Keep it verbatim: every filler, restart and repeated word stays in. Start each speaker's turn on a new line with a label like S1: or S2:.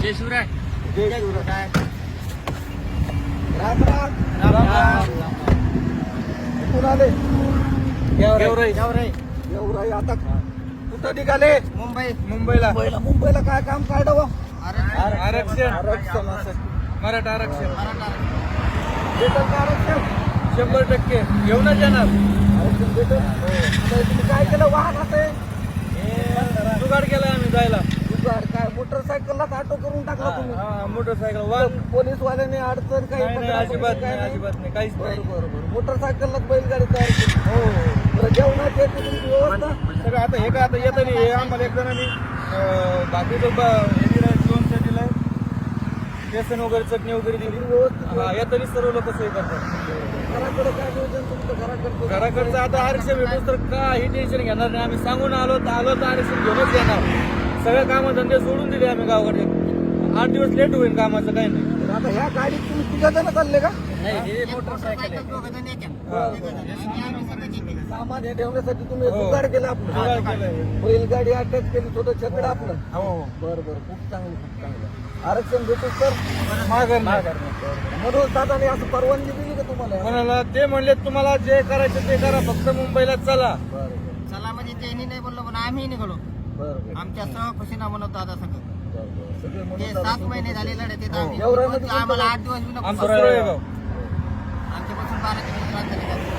S1: जय शिवराय.
S2: जय शिवराय. राम राम.
S1: राम राम.
S2: कुठून आले?
S1: गेवराई.
S2: एवढा आता कुठं निघाले?
S1: मुंबई.
S2: मुंबईला. मुंबईला मुंबईला काय काम काढावं?
S1: आरक्षण.
S2: आरक्षण असं.
S1: मराठा आरक्षण.
S2: भेटल का आरक्षण?
S1: शंभर टक्के घेऊनच येणार.
S2: आरक्षण भेटल. आता तुम्ही काय केलं वाहनात आहे?
S1: जुगाड केलाय आम्ही जायला.
S2: जुगाड काय मोटरसायकलला ऑटो करून टाकला तुम्ही?
S1: हा, मोटरसायकल वाहन.
S2: पोलीसवाल्याने अडचण काही
S1: नाही, नाही,
S2: तक्रार
S1: अजिबात
S2: काय
S1: नाही, अजिबात नाही, काहीच नाही.
S2: बरं बरं बरं मोटरसायकललाच बैलगाडी तयार केली.
S1: हो
S2: बरं जेवणाची याची तुमची व्यवस्था?
S1: सगळं आता हे काय आता येतं नाही. हे आम्हाला एक जणांनी अं, बाकीचं ब- हे दिलंय, लोणचं दिलंय, बेसन वगैरे चटणी वगैरे दिली.
S2: व्यवस्थित
S1: हा येतानी सर्व लोक सोय करतात.
S2: घराकडे काय नियोजन तुमचं घराकडचं?
S1: घराकडचं आता आरक्षण भेटून तर काही टेन्शन घेणार नाही. आम्ही सांगून आलो तर आलो तर आरक्षण घेऊनच येणार. सगळे कामं धंदे सोडून दिले आम्ही गावाकडे. आठ दिवस लेट होईल कामाचं काही नाही.
S2: तर आता ह्या गाडीत तुम्ही तिघ जण चालले का?
S1: नाही हे मोटरसायकल आहे.
S2: सामान हे ठेवण्यासाठी तुम्ही
S1: हो.
S2: जुगाड केलं आपलं?
S1: जुगाड केलंय.
S2: बैलगाडी अटॅच केली छोटं छकड आपलं?
S1: हो
S2: बरं बरं खूप चांगलं खूप चांगलं. आरक्षण भेटू तर
S1: माघार
S2: म्हणून दादाने असं परवानगी दिली का तुम्हाला?
S1: कोणाला ते म्हणले तुम्हाला जे करायचं ते करा, फक्त मुंबईला चला.
S2: बरं बरं
S3: चला म्हणजे त्यांनी नाही बोललो पण आम्ही निघालो.
S2: बरं बरं
S3: आमच्या सहखुशीना म्हणत दादा सगळं
S2: बरं बरं. सगळे
S3: ते
S2: म्हणून
S3: सात
S2: दादा
S3: महिने झाले लढत येत आम्ही
S2: एवढ्यामध्ये
S3: आम्हाला आठ दिवस बी नको
S1: आमचं सुरळेगाव.
S3: आमच्यापासून बारा किलोमीटर अंतर आहे.